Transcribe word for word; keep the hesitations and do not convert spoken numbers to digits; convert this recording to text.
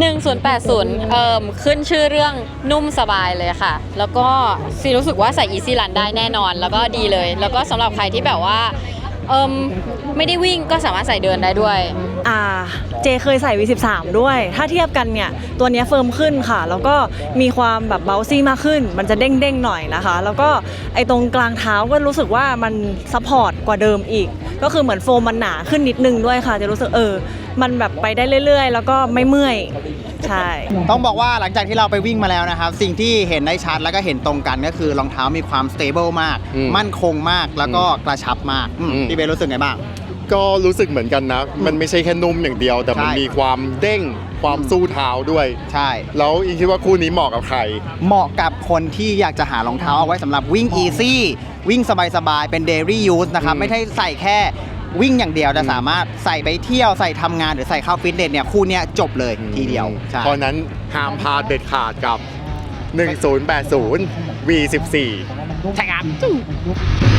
หนึ่งศูนย์แปดศูนย์เอ่อขึ้นชื่อเรื่องนุ่มสบายเลยค่ะแล้วก็ซีรู้สึกว่าใส่ Easy Run ได้แน่นอนแล้วก็ดีเลยแล้วก็สำหรับใครที่แบบว่าเอิมไม่ได้วิ่งก็สามารถใส่เดินได้ด้วยอ่าเจเคยใส่ วี สิบสาม ด้วยถ้าเทียบกันเนี่ยตัวนี้เฟิร์มขึ้นค่ะแล้วก็มีความแบบเบลซี่มากขึ้นมันจะเด้งๆหน่อยนะคะแล้วก็ไอ้ตรงกลางเท้าก็รู้สึกว่ามันซัพพอร์ตกว่าเดิมอีกก็คือเหมือนโฟมมันหนาขึ้นนิดนึงด้วยค่ะจะรู้สึกเออมันแบบไปได้เรื่อยๆแล้วก็ไม่เมื่อยใช่ต้องบอกว่าหลังจากที่เราไปวิ่งมาแล้วนะครับสิ่งที่เห็นได้ชัดแล้วก็เห็นตรงกันก็คือรองเท้ามีความสเตเบิลมากมั่นคงมากแล้วก็กระชับมากพี่เบนรู้สึกไงบ้างก็รู้สึกเหมือนกันนะมันไม่ใช่แค่นุ่มอย่างเดียวแต่มันมีความเด้งความสู้เท้าด้วยใช่แล้วอิงคิดว่าคู่นี้เหมาะกับใครเหมาะกับคนที่อยากจะหารองเท้าเอาไว้สำหรับวิ่งอีซี่วิ่งสบายๆเป็นเดลี่ยูสนะครับไม่ใช่ใส่แค่วิ่งอย่างเดียวแต่สามารถใส่ไปเที่ยวใส่ทำงานหรือใส่เข้าฟิตเนสเนี่ยคู่นี้จบเลยทีเดียวเพราะนั้นห้ามพลาดเด็ดขาดกับหนึ่งศูนย์แปดศูนย์ วี สิบสี่ใช่ครับ